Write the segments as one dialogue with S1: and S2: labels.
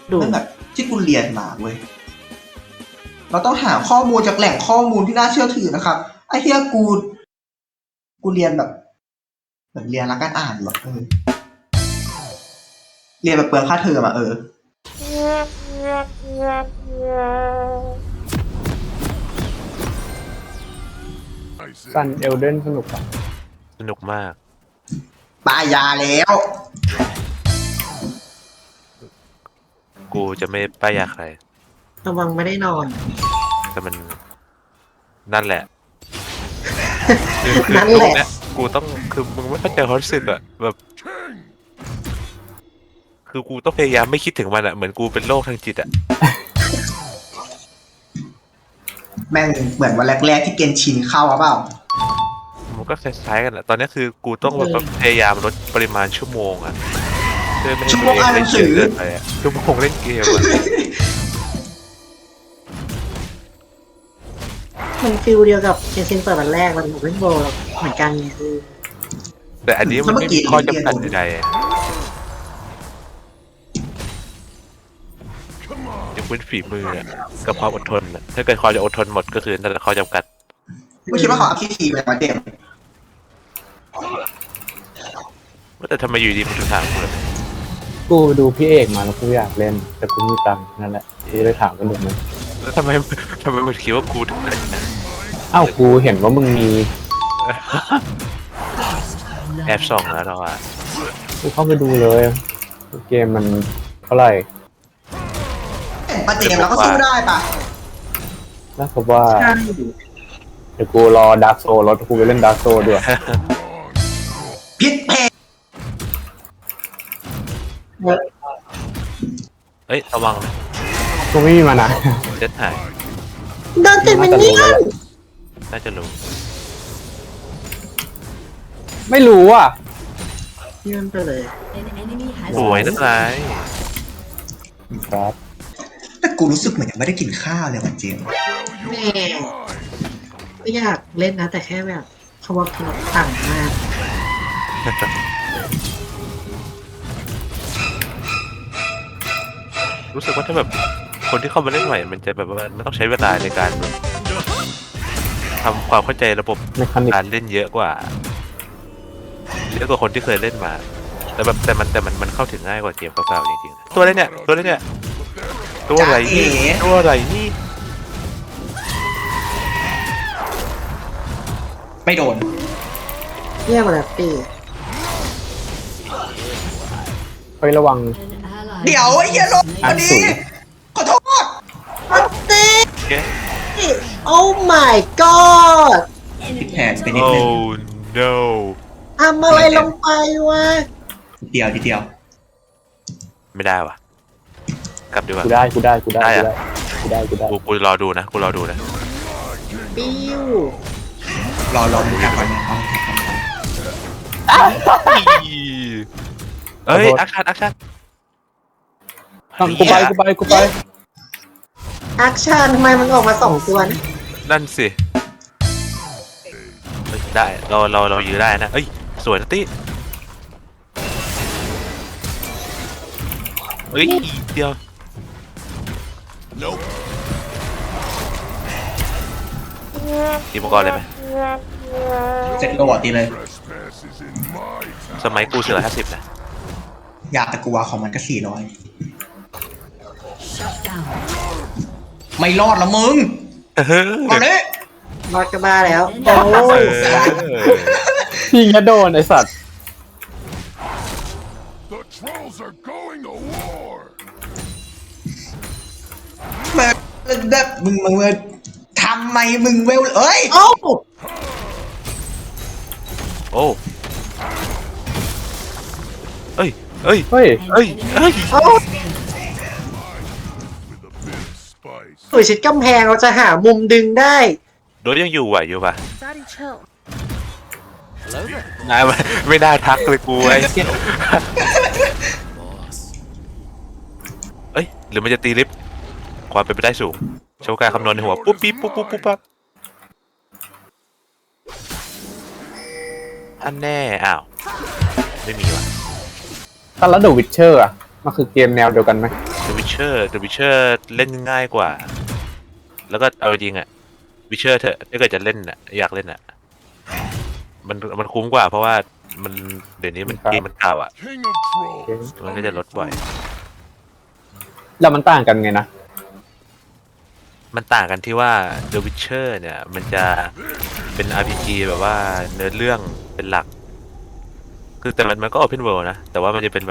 S1: นั่นแบบที่กูเรียนมาเว้ยเราต้องหาข้อมูลจากแหล่งข้อมูลที่น่าเชื่อถือนะครับไอ้เฮียกูเรียนแบบเรียนรักการอ่านหรอกเรียนแบบเปลืองค่าเทอมอะ
S2: ซันเอลเดนสนุกอ่ะ
S3: สนุกมาก
S1: ปายาแล้ว
S3: กูจะไม่ป้ายยาใคร
S4: ระวังไม่ได้นอน
S3: แต่มันนั่นแหละ
S4: นั่นแหละ
S3: เนี่ยกูต้องคือมึงไม่เข้าใจความรู้สึกอะแบบคือกูต้องพยายามไม่คิดถึงมันอะเหมือนกูเป็นโรคทางจิตอะ
S1: แม่งเหมือนวันแรกๆที่เกณฑ์ชินเข้าเปล่า
S3: มันก็คล้ายๆกันแหละตอนนี้คือกูต้องแบบพยายามลดปริมาณชั่วโมงอะเพื่อไม่ให้
S1: ชั่วโมงอ่านหนังสือ
S3: เกินไปอะชั่วโมงเล่นเกมอะ
S4: มันฟิลเดียวกับเกมซินเปิดวันแรกวันของเล่นโบเหมือนกันไงคือ
S3: แต่อันนี้มันไม่มีข้อจำกัดใดๆยกเว้นฝีมืออะกับความอดทนอะถ้าเกิดความจะอดทนหมดก็คือนั่นแหละข้อจำกัด
S1: กูคิดว่าเขาเอาคิดทีไปมาเต็ม
S3: แต่ทำไมอยู่ดีมันถึงถามกูเลย
S2: กูดูพี่เอกมาแล้วกูอยากเล่น แต่กูมีตังค์นั่นแหละกูเลยถามกันหนึ่งนะ
S3: แล้วทำไมมันคิดว่ากูถึงได้นะ
S2: อ้าวกูเห็นว่ามึงมี
S3: แอบส่องแล้วเราอะ
S2: กูเข้าไปดูเลยเกมมันเท่าไหร่
S1: ปาเจมเราก็สู้ได้ปะ
S2: แล้วก็ว่า
S4: ใช่
S2: เดี๋ยวกูรอดาร์กโซแล้วกูไปเล่นดาร์กโซด้วย
S1: พิษเพล
S3: เอ้ยระวังนะ
S2: กูไม่มีมานะ
S3: เด็ดหาย
S4: โดนติดมันเนี่ย
S3: น่าจะรู้
S2: ไม่รู้อ่ะ
S4: ยื่นไปเลย
S3: สวยนักไร
S2: ครับ
S1: แต่กูรู้สึกเหมือนยังไม่ได้กินข้าวเลยวันเจม
S4: แม่ก็อยากเล่นนะ แต่แค่แบบเขาบอกที่เราต่างมาก
S3: รู้สึกว่าถ้าแบบคนที่เข้ามาเล่นใหม่มันจะแบบว่ามันต้องใช้เวลาในการแบบทำความเข้าใจระบบ
S2: เมคานิก
S3: การเล่นเยอะกว่าคนที่เคยเล่นมาแต่แบบแต่มันเข้าถึงง่ายกว่าเกมเก่าๆจริงๆตัวอะไรเนี่ยตัวอะไรเนี่ยตัวอะไรนี่ตัวอะไรนี่
S1: ไม่โดน
S4: เยี่ยมเลยปี
S2: เฮ้ยระวัง
S1: เดี๋ยวไอ้เหี้ยลงวันนี้ ขอโทษ
S4: อัตติ
S3: เอ๊ะ
S4: โอ้ my god
S1: ผิดแผนไปนิด
S3: โอ้
S1: นึง
S3: no
S4: ทำอะไรลงไปวะ
S1: เดียวทีเดียว
S3: ไม่ได้ว่ะกลับดีกว่า
S2: กูได้กูได้กูได้
S3: ได้อะ
S2: กูได้กูได้
S3: กูรอดูนะกูรอดูนะ
S4: ปิ้ว
S1: รอมึงแท็กก่อนเนี่ยเอาแท็กก่อน
S3: เอ้ยอักชั่น
S2: กูไปกูไป
S4: แอคชั่นทำไมมันออกมา2 ตัวนะ
S3: นั่นสิเฮ้ยได้เรายื้อได้นะเอ้ยสวยนะตี้เอ้ยเดียวตีมังกรเลยไหม
S1: เสร็จโรบอทตีเลย
S3: สมัยกู450นะ
S1: อยากแต่กูว่าของมันก็400ไม่รอดละมึงมาเลย
S4: รอดก็บ้าแล้วโอ้ย
S2: พี่งะโดนไอสัตว์
S5: The trolls are going to war!
S1: มึงทำไมมึงเวลเอ้ย
S4: โอ้
S3: โอ้เอ้ยเอ้ย
S2: เฮ้ย
S3: เอ้ยเอ้ย
S4: โอ้
S5: With a bit of spice.
S4: สวยชิดกำแพงเราจะหามุมดึงได้
S3: โดนยังอยู่ไหวอยู่ป่ะ
S6: Daddy, chill.
S3: นายไม่ได้ทักเลยกูไอ้เอ้ยหรือมันจะตีลิฟต์ความเป็นไปได้สูงโชว์การคำนวณในหัวปุ๊บปิ๊บปุ๊บปั๊บอันแน่อ้าวไม่มีว่ะ
S2: ตอนแล้วเดอะวิชเชอร์อ่ะมันคือเกมแนวเดียวกันไหม
S3: The Witcher เล่นง่ายกว่า แล้วก็เอาจริงอะ Witcher เถอะถ้าเกิดจะเล่นอะอยากเล่นอะมันคุ้มกว่าเพราะว่ามันเดี๋ยวนี้มันเกมมันเก่าอะ
S5: King of trolls.
S3: มันก็จะลดบ่อย
S2: แล้วมันต่างกันไงนะ
S3: มันต่างกันที่ว่า The Witcher เนี่ยมันจะเป็น RPG แบบว่าเนื้อเรื่องเป็นหลัก คือแต่มันก็ Open World นะ แต่ว่ามันจะเป็นแบบ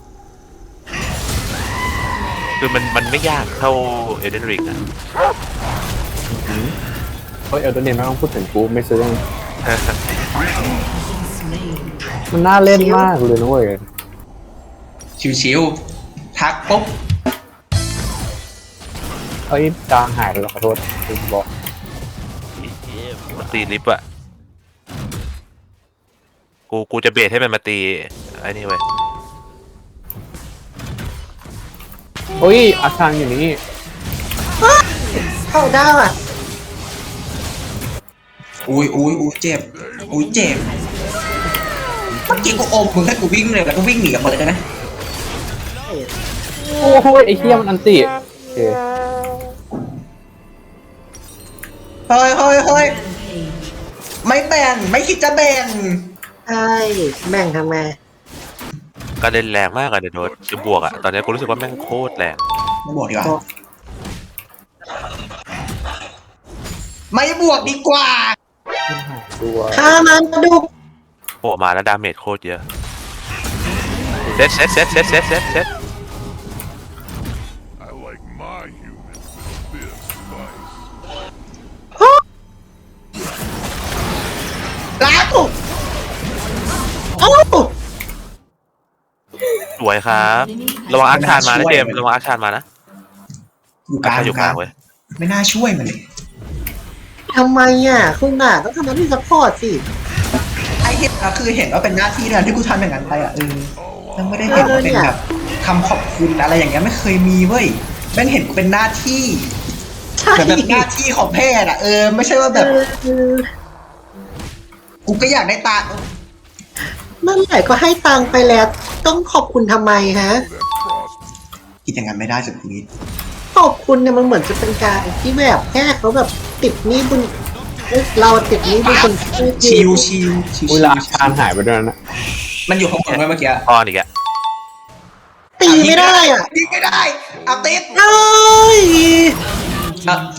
S3: คือมันไม่ยากเท่า Elden Ring นะ
S2: เฮ้ยเอลตัวนี้ไม่ต้องพูดถึงกูไม่ซื้อมันน่าเล่นมากเลยนะเว้ย
S1: ชิวๆทักปุ๊บ
S2: เฮ้ยจางหายไปแล้วขอโทษลืมบอก
S3: มันตีลิฟต์อะกูจะเบสให้มันมาตีไอ้นี่เว้ย
S2: เฮ้ยอาคารอยู่นี่
S4: เข้าได้อ่ะ
S1: อุ้ยเจ็บอุ้ยเจ็บเมื่อกี้กูอมมึงให้กูวิ่งเลยแล้วก็วิ่งหนีออกมาเลยได้ไหม
S2: โอ้โหไอ้เหี้ยมันอันติโอเค
S1: เฮ้ยไม่แบ่งไม่คิดจะแบ่ง
S4: ใช่แบ่งทำไม
S3: ก็เล่นแรงมากอะเดี๋ยวโดนจะบวกอะตอนนี้กูรู้สึกว่าแม่งโคตรแรง
S1: ไม่บวกดีกว่าไม่บวกดีกว่า
S2: ตัว
S4: ฆ่ามันกระดูก
S3: โผล่มาแล้วดาเมจโคตรเยอะเซ็ต
S5: I like my humans with this spice.
S1: ล้างกู
S4: เอ้า
S3: สวยครับ ระวังอาคารมานะเจมส์ระวังอาคารมานะ
S1: อยู่ก
S3: อา
S1: ลาง
S3: คารอยู่กลางเว้ย
S1: ไม่น่าช่วยมันเลย
S4: ทำไมอ่ะคุณน่ะต้องทำหน้าที่ซัพพอร์ตสิ
S1: ไอเห็นอะคือเห็นว่าเป็นหน้าที่นะที่กูทำอย่างนั้นไปอ่ะแล้วไม่ได้เห็นว่าเป็นแบบคำขอบคุณอะไรอย่างเงี้ยไม่เคยมีเว้ยแม่งเห็นกูเป็นหน้าที่
S4: ใช่
S1: แบบหน้าที่ของแพทย์อ่ะไม่ใช่ว่าแบบ กูก็อยากได้ตา
S4: นั่นแหละก็ให้ตังค์ไปแล้ว ต้องขอบคุณทำไมฮะ
S1: คิดอย่างนั้นไม่ได้สุดชีวิต
S4: ขอบคุณเนี่ยมันเหมือนจะเป็นการที่แบบแค่เขาแบบติดหนี้บุญเราติดหนี้บุญคน
S1: ชิว
S2: เวลาอาคารหายไปด้วยนะ
S1: มันอยู่ข้างบนเมื่อกี้
S3: พออีกอะ
S4: ตีไม่ได้อ่ะ
S1: ยิงไม่ได้เอาติด
S4: เอ้ย
S1: อ่ะ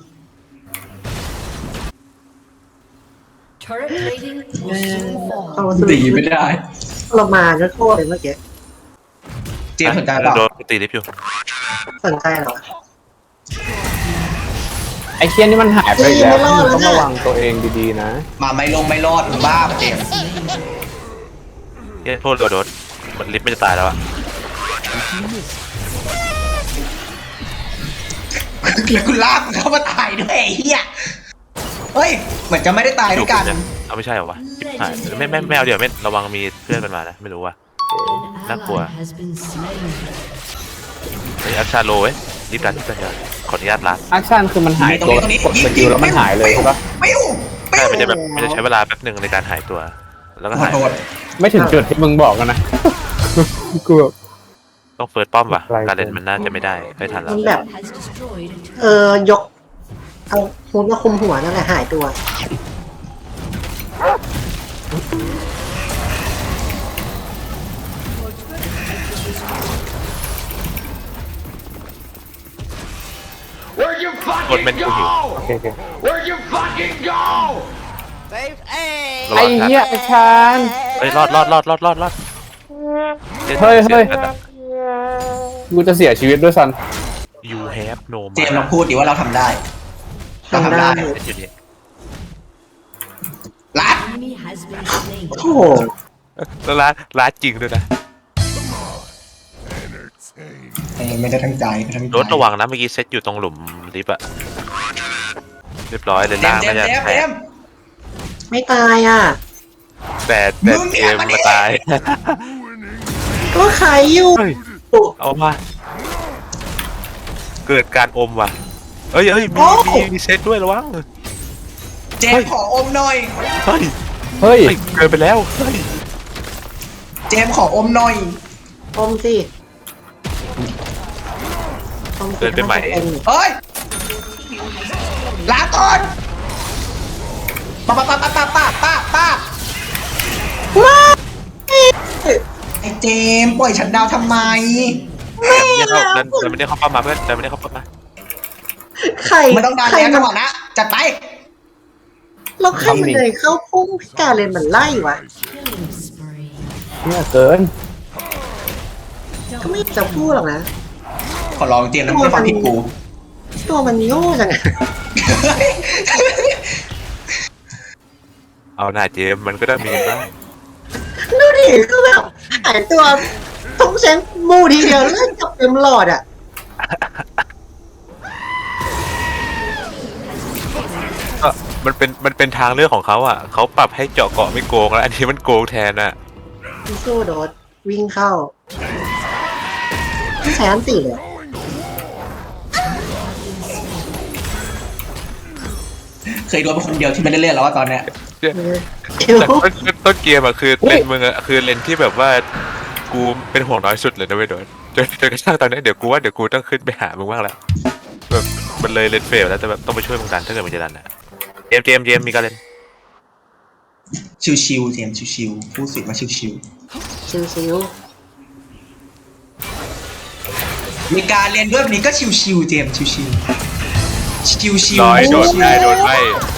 S6: Turret plating will soon
S4: เอา
S6: fall.
S4: สิ
S1: ตีไม่ได้
S4: เรามาก็โทษเลยเมื่อกี้
S1: เจมส์สนใจเปล่า
S3: โดนตีลิฟต์อยู่
S4: สนใจเหรอ
S2: ไอ้เคียนี่มันหายไปอีกแล้วต้องระวังตัวเองดีๆนะ
S1: มาไม่รอดมึงบ้าปะเจมส์
S3: เย้โทษโดนมันลิฟต์ไม่จะตายแล้วอะ
S1: แล้วกูลากมึงเข้ามาตายด้วยไอ้เหี้ยเฮ้ยเหมือนจะไม่ได้ตายด้วยกัน
S3: เอาไม่ใช่เหรอวะหายไม่เอาเดี๋ยวไม่ระวังมีเพื่อนมันมานะไม่รู้ว่า
S6: An
S3: Nakua.
S6: ally has been slain.
S3: ไอ้อัคชาโลเว้ยรีบรันที่กันเยอะขออนุญาตรัด
S2: อาคารคือมันหายตัว
S1: ตรงนี้
S2: กดสกิลแล้วมันหายเลยใช่ปะ
S1: ไม่อยู่
S3: ใช่มันจะแบบมันจะใช้เวลาแป๊บหนึ่งในการหายตัว แล้วก็
S1: ขอ
S3: หาย
S1: โทษ
S2: ไม่ถึงจุดที่มึงบอกกันนะ กูแบบ
S3: ต้องเฟิร์สป้อมว่ะ
S2: ไกลเกิน
S3: การเล่นมันน่าจะไม่ได้ไม่ทันแล้
S4: มั
S3: วน
S4: แบบ
S6: Has destroyed a turret.
S4: ยก เอาฮูดมาคุมหัวนั่นแหละหายตัว
S3: กดเมนกูหิว
S2: โอเคโอเค
S3: ระ
S2: ไอ้
S3: วังทัน
S2: เหี้ยอาคาร
S3: เฮ้ยรอด
S2: เฮ้ยกูจะเสียชีวิตด้วยซัน
S3: ยูแฮปโน
S1: เจมส์ลองพูดดิว่าเราทำได้เราทำได้
S3: อยู่นี่
S1: รัด
S6: Enemy has been slain.
S4: โอ้โห
S3: แล้วร้านจริงด้วยนะ
S5: Entertain.
S1: ไม่ได้ทั้งใจไม่ได้ทั้งใจ
S3: รถระวังนะเมื่อกี้เซตอยู่ตรงหลุมลิฟต์อะเรียบร้อยเลย
S1: เจม
S3: ล่าง
S1: ส์เจ
S3: น่าม จะ
S1: ส์
S3: แต
S1: เจ
S3: ก
S1: มส์
S4: ไม่ตายอ่ะ
S3: แต่
S1: มึง
S3: เก
S1: เนี่ย
S3: ม
S1: มาดิ
S3: มาตาย
S4: ก็ขายอยู่
S3: เฮ้ยเอามาเกิดการอมว่ะเอ้ยมีเซตด้วยระวัง
S1: เจมส์ขออมหน่อย
S3: เฮ้ย
S2: เฮ้ย
S3: เกินไปแล้วเฮ้ย
S1: เจมส์ขออมหน่อย
S4: อมสิความ
S3: เดินไปใหม่
S1: เฮ้ยลาก่อนป้าป้าป้าป้าป้าป้าป้าไอ้เจมส์ปล่อยฉันดาวทำไม
S3: ดันไม่ได้เข้าป้ามาเพื่อนดันไม่ได้เข้าป้ามา
S4: ใคร
S1: มันต้องดัน
S4: ใคร
S1: แล้วจั
S4: มั
S1: ง
S4: น
S1: หวะนะจัดไป
S4: แล้วใครมันเลยเข้าพุ่งพี่กาเลนมันไล่วะ
S6: Killing spree.
S2: เนี่ยเกิน
S4: ก็ไม่จะพูดหรอกนะ
S1: ขอลองเจมส์นะไม่ฟังผิดกู
S4: ตัวมันโง่จังอะ
S3: เอาหน้าเจมมันก็ได้มีบ้าง
S4: ดูดิก็แบบหายตัวทงเซนมูทีเดียวแล้วก็จับเต็มหลอดอ่ะ
S3: ก็มันเป็นทางเลือกของเขาอ่ะเขาปรับให้เจาะเกาะไม่โกงแล้วอันนี้มันโกงแทนอ่ะ
S4: พี่สู้โดดวิ่งเข้าไม่ใช้อันตีเลย
S1: เคยโดนเป็นคนเดียวที่ไม่ได้เล่นแล้วว่าตอนเนี้ย
S4: เดี๋ยว
S3: แต่ต้นเกมอ่ะคือเลนมึงอ่ะคือเลนที่แบบว่ากูเป็นห่วงน้อยสุดเลยนะเว้ยโดนจนกระทั่งตอนนี้เดี๋ยวกูต้องขึ้นไปหามึงบ้างแล้วแบบมันเลยเลนเฟลแล้วแต่แบบต้องไปช่วยมึงดันถ้าเกิดมึงจะดันอ่ะเจมมีการเล่น
S1: ชิวๆเจมส์ชิวๆพูดสิมาชิว
S4: ชิว
S1: ๆมีการเรียนด้วยแบบนี้ก็ชิวๆเจมส์ชิวๆชิวๆ
S3: น้อยโดนได้โดนไม่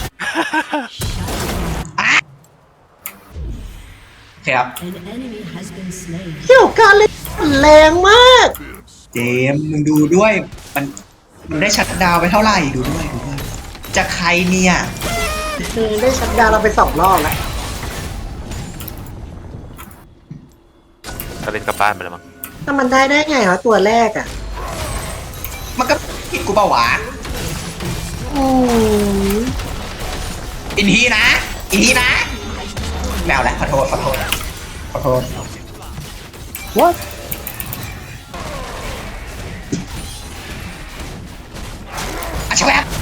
S1: ครับ
S6: An enemy has been slain.
S4: ๆเกี่ยวกาเลนแรงมาก
S1: เจมส์มึงดูด้วยมันได้ชัดดาวน์ไปเท่าไหร่ดูด้วยจากใครเนี่ย
S4: ได้ชัดดาวน์เราไป2 รอบแล้ว
S3: ก็เล่นกลับบ้านไปแล้วมั้ง
S4: ถ้ามันได้ไงวะตัวแรกอ่ะ
S1: มันก็ผิดกูเปล่าวะ
S4: อืม
S1: อินทีนะแมวแหละขอโทษ
S2: what
S1: อาชแวบ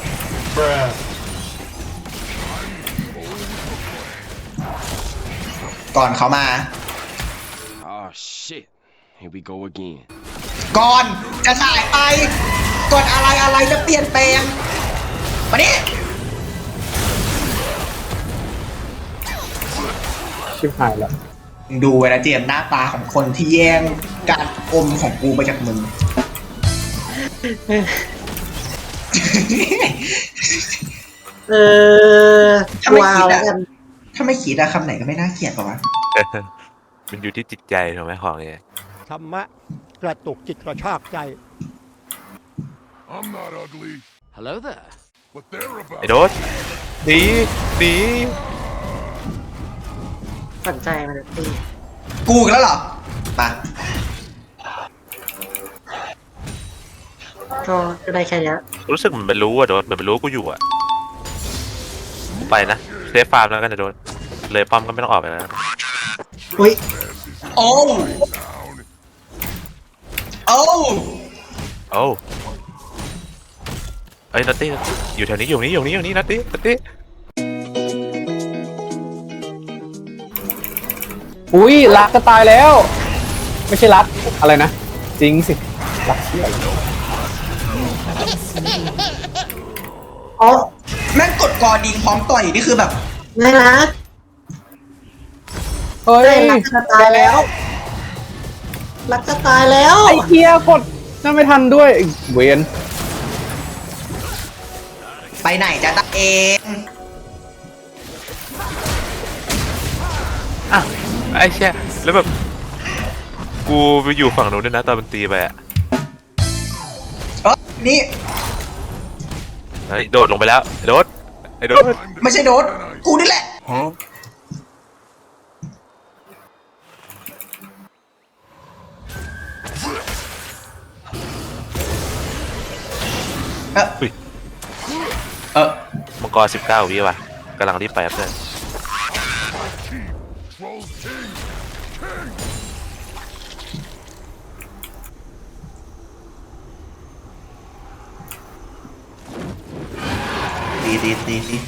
S1: ก่อนเขามา
S7: Oh shit. Here we go again.
S1: ก่อนจะสายไปก่อนอะไรจะเปลี่ยนแปลงมาดิ
S2: ชิบหายแล้ว
S1: มึงดูไว้นะเจมส์หน้าตาของคนที่แย่งการอมของกูไปจากมึง ถ้าไม่
S4: ว้า
S1: คิ
S4: ว
S1: ด
S4: แล้ว
S1: อะ
S4: กัน
S1: ถ้าไม่คิดอะคำไหนก็ไม่น่าเกลียดป่าวะ
S3: มันอยู่ที่จิตใจถูกไหมของเนี่ย
S8: ธรรมะกระตุกจิตกระชากใจ
S5: I'm not ugly,
S7: Hello there.
S5: but they're about
S3: ไอ้โดนหนี
S4: สนใจมันตี
S1: กูอีกแล้วเหรอมา
S4: ก็ได้แค่เนี้ย
S3: รู้สึกเหมือนมันรู้อะโดนเหมือนมันรู้กูอยู่อะกูไปนะเซฟฟาร์มแล้วกันนะโดนเลยป้อมก็ไม่ต้องออกไปแล้ว
S4: อุ้ย
S1: โอ้โอ้
S3: โอ้เอ้ยนัตตี้อยู่แถวนี้อยู่นี่นัตตี้
S2: อุ้ยรักจะตายแล้ว ไม่ใช่รักอะไรนะ จริงสิรักเชี่ย
S4: อ๋อ
S1: แม่งกดกอดิงพร้อมต่อยนี่คือแบบ
S4: ไม่นะ
S2: เฮ้ย
S4: ได้รักจะตายแล้วรักจะตายแล้ว
S2: ไอ้เกียกดนั่นไม่ทันด้วยไอ้เวน
S1: ไปไหนจะตาเอง
S3: อ่ะไอ้เชี่ยแล้วแบบกูไปอยู่ฝั่งนู้นด้วยนะตอนมันตีไปอะ
S1: นี่
S3: เฮ้ยโดดลงไปแล้วไอ้โดด
S1: ไม่ใช่โดดกูนี่แหละ
S5: Huh?
S3: มังกร19 วิว่ะกำลังรีบไปครับเพื่อน
S5: Trolls King!
S1: ดี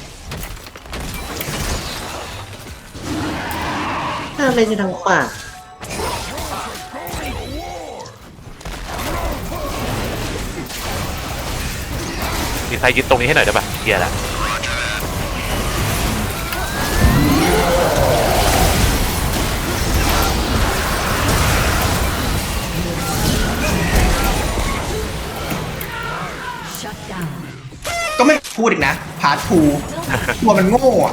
S4: น่าเล่นอยู่ทางขวา
S5: Going to war!
S3: มีใครยึดตรงนี้ให้หน่อยได้ปะเกียร์ละ
S6: Shut down.
S1: ก็ไม่พูดอีกนะพาร์ททูตัวมันโง่อะ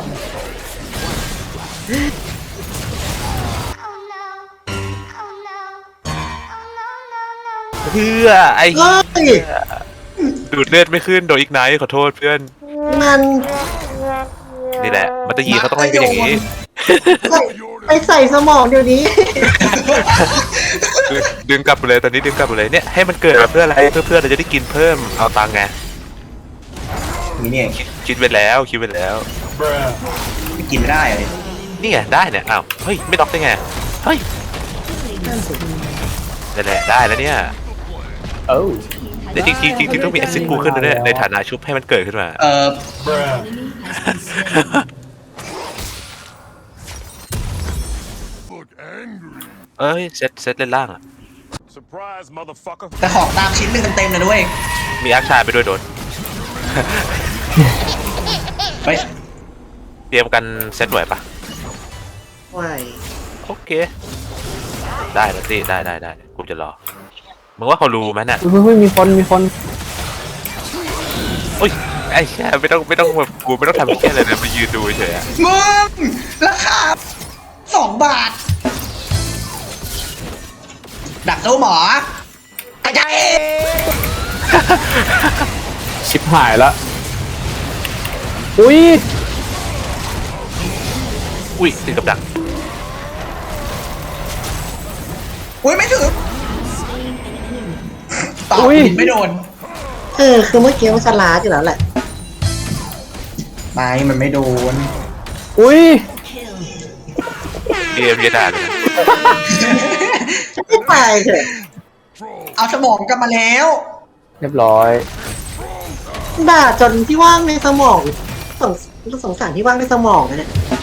S3: เพื่อไอ้
S4: เฮ้ย
S3: ดูดเลือดไม่ขึ้นโดนอีกไนท์ขอโทษเพื่อน
S4: มัน
S3: นี่แหละมันจะยีเขาต้องเล่นกันอย่างนี้
S4: ไปใส่สมองเดี๋ยวนี้
S3: ดึงกลับไปเลยตอนนี้ดึงกลับไปเลยเนี่ยให้มันเกิดมาเพื่ออะไรเพื่อเราจะได้กินเพิ่มเอาตังค์ไง
S1: นี่เนี่ย
S3: คิดไว้แล้วคิดไว้แล้ว
S1: ไม่กินไม่ได้เลย
S3: นี่ไงได้เนี่ยอ้าวเฮ้ยไม่ล็อกได้ไงเฮ้ยนั่นแหละได้แล้วเนี่ย
S2: เอ้า
S3: แต่จริงต้องมีแอสซิสต์กูขึ้นด้วยในฐานะชุบให้มันเกิดขึ้นมา
S5: Look angry.
S3: เอ้ยเซตเล่นล่างอ่ะ
S5: Surprise, motherfucker.
S1: แต่ของตามชิ้นหนึ่งเต็มๆเลยด้วย
S3: มีอาร์คชายไปด้วยโดน
S1: ไป
S3: เตรียมกันเซตไหวปะ
S4: ไหว
S3: โอเค ได้แล้วสิได้กูจะรอมึงว่าเขารู้ไหมน่ะ
S2: เฮ้ยมีคน
S3: โอ้ยไอ้แค่ไม่ต้องแบบกูไม่ต้องทำแค่อะไรนะมายืนดูเฉยๆอะ
S1: มึงราคา2 บาท ดักตู้หมอกระจาย
S2: ชิบหายละอุ้ย
S3: อุ้ยติดกับดัก
S1: อุ้ยไม่ถึงต่อไม่โดน
S4: คือเมื่อกี้มันสลาดอยู่แล้วแหละ
S1: ไม่มันไม่โดน
S2: อุ้ย
S3: เกมเยดาเลย
S4: ไม่ไปเถอะ
S1: เอาสมองกลับมาแล้ว
S2: เรียบร้อย
S4: ด่าจนที่ว่างในสมองสงสารที่ว่างในสมองนะเนี่ย